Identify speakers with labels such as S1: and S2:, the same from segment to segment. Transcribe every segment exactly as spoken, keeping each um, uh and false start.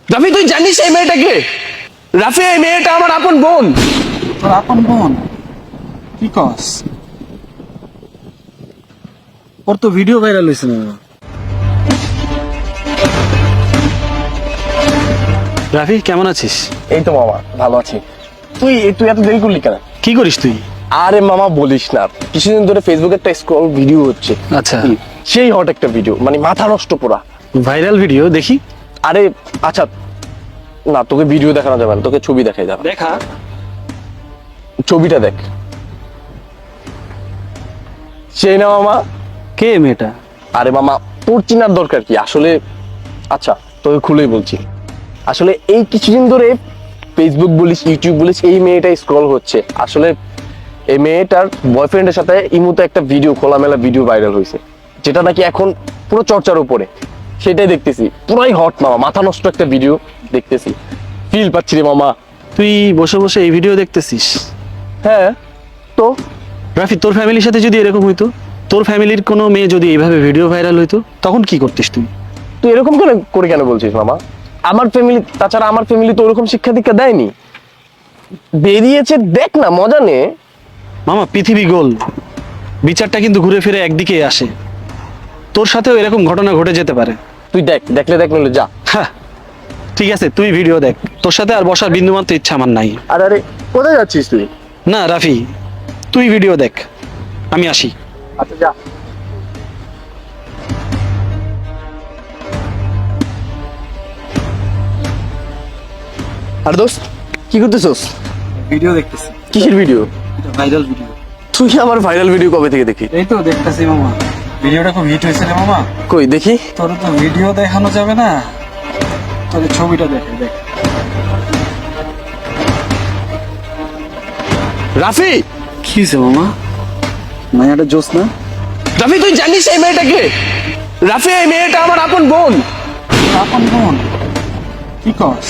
S1: রাফি তুই জানিস এই মেয়েটাকে? রাফি এই মেয়েটা আমার আপন বোন।
S2: তোর আপন বোন? কি কস? ওর তো ভিডিও ভাইরাল হয়েছে না। রাফি কেমন আছিস?
S1: এই তো মামা ভালো আছি। তুই তুই এত দেরি করলি কেন?
S2: কি করিস তুই?
S1: আরে মামা বলিস না, কিছুদিন ধরে ফেসবুকে একটা স্ক্রল ভিডিও হচ্ছে।
S2: আচ্ছা,
S1: সেই হট একটা ভিডিও, মানে মাথা নষ্ট পুরা
S2: ভাইরাল ভিডিও দেখি।
S1: আরে আচ্ছা না, তোকে ভিডিও দেখানো যাবে না, তোকে ছবি দেখাই যাবে।
S2: দেখা।
S1: ছবিটা দেখ। সেই না মামা?
S2: কে মেয়েটা?
S1: আরে মামা তোর চিনার দরকার কি আসলে? আচ্ছা তোকে খুলেই বলছি, আসলে এই কিছুদিন ধরে ফেসবুক বলিস ইউটিউব বলিস এই মেয়েটা স্ক্রল হচ্ছে। আসলে এই মেয়েটার বয়ফ্রেন্ডের সাথে ইমুতে একটা ভিডিও, খোলামেলা ভিডিও ভাইরাল হয়েছে, যেটা নাকি এখন পুরো চর্চার উপরে। সেটাই দেখতেছি, পুরাই হট মামা, মাথা নষ্ট একটা ভিডিও দেখতেছি, ফিল পাচ্ছি রে মামা।
S2: তুই বসে বসে এই ভিডিও দেখতেছিস?
S1: হ্যাঁ তো
S2: রাফি, তোর ফ্যামিলির সাথে যদি এরকম হইতো, তোর ফ্যামিলির কোনো মেয়ে যদি এইভাবে ভিডিও ভাইরাল হইতো, তখন কি করতিস তুই?
S1: তুই এরকম কেন করে কেন বলছিস মামা? আমার ফ্যামিলি, তাছাড়া আমার ফ্যামিলি তো ওরকম শিক্ষা দীক্ষা দেয়নি। বেরিয়েছে দেখ না, মজা নে।
S2: মামা পৃথিবী গোল, বিচারটা কিন্তু ঘুরে ফিরে একদিকে আসে। তোর সাথেও এরকম ঘটনা ঘটে যেতে পারে।
S1: তুই দেখ, দেখলে দেখ নইলে যা।
S2: হ্যাঁ ঠিক আছে, তুই ভিডিও দেখ। তোর সাথে আর বসার বিন্দুমাত্র ইচ্ছা আমার নাই।
S1: আরে আরে কোথায় যাচ্ছিস তুই?
S2: না রাফি, তুই ভিডিও দেখ, আমি আসি।
S1: আচ্ছা যা। আর দোস্ত কি করতেছস?
S2: ভিডিও দেখতেছি।
S1: কিসের ভিডিও?
S2: Viral video.
S1: তুই আমার ভাইরাল ভিডিও কবে থেকে দেখি?
S2: এই তো দেখতেছি মামা, ভিডিওটা খুব হিট হয়েছে রে মামা।
S1: কই দেখি।
S2: তোর তো ভিডিও দেখানো যাবে না, তোর ছবিটা দেখে দেখ।
S1: রাফি
S2: কি হয়েছে মামা? মায়াটা জোস না?
S1: রাফি তুই জানিস এই মেয়েটাকে? রাফি এই মেয়েটা আমার আপন বোন।
S2: আপন বোন? কি কস?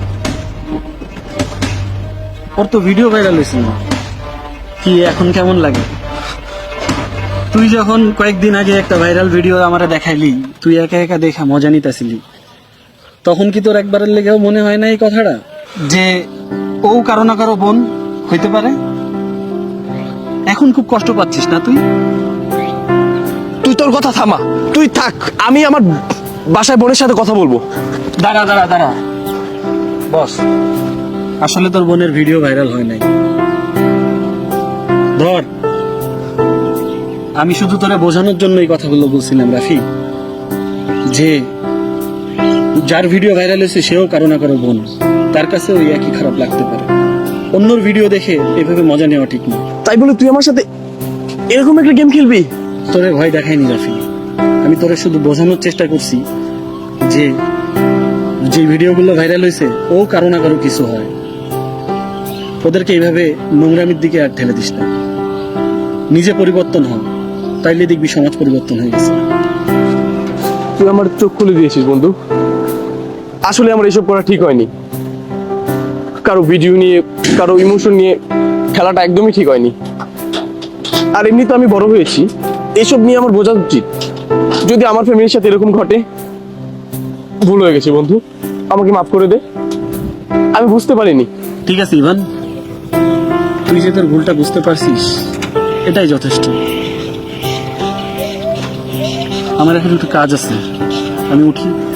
S2: ওর তো ভিডিও ভাইরাল হয়েছে না। কি এখন কেমন লাগে? তুই যখন কয়েকদিন আগে একটা ভাইরাল ভিডিও আমারে দেখাইলি, তুই একা একা দেখা মজা নিতেছিলি, তখন কি তোর একবারের লেগেও মনে হয় না এই কথাটা যে ও কারো না কারো বোন হইতে পারে? এখন খুব কষ্ট পাচ্ছিস না তুই?
S1: তুই তোর কথা থামা, তুই থাক, আমি আমার বাসায় বোনের সাথে কথা বলবো।
S2: দাঁড়া দাঁড়া দাঁড়া বস, আসলে তোর বোনের ভিডিও ভাইরাল হয় নাই। ধর, আমি শুধু তোরে বোঝানোর জন্য এই কথাগুলো বলছিলাম রাফি, যে যার ভিডিও ভাইরাল হয়েছে সেও কারো না কারো বোন, তার কাছে ওই একই খারাপ লাগতে পারে। অন্যর ভিডিও দেখে এভাবে মজা নেওয়া ঠিক না।
S1: তাই বলে তুই আমার সাথে এরকম একটা গেম খেলবি?
S2: তোরে ভয় দেখাইনি রাফি, আমি তোরে শুধু বোঝানোর চেষ্টা করছি যে যে ভিডিওগুলো ভাইরাল হয়েছে ও কারো না কারো কিছু হয়। ওদেরকে এইভাবে নোংরামির দিকে আর ঠেলে দিস না, নিজে পরিবর্তন হ, তাইলে দেখবি সমাজ পরিবর্তন হয়ে গেছে।
S1: তুই আমার চোখ খুলে দিয়েছিস বন্ধু। আসলে আমার এসব করা ঠিক হয়নি, কারো ভিডিও নিয়ে, কারো ইমোশন নিয়ে খেলাটা একদমই ঠিক হয়নি। আর এমনি তো আমি বড় হয়েছি, এসব নিয়ে আমার বোঝা উচিত। যদি আমার ফ্যামিলির সাথে এরকম ঘটে, ভুল হয়ে গেছে বন্ধু, আমাকে মাফ করে দে, আমি বুঝতে পারিনি।
S2: ঠিক আছে ইভান, তুই যে তোর ভুলটা বুঝতে পারছিস এটাই যথেষ্ট। আমার এখন একটু কাজ আছে, আমি উঠি।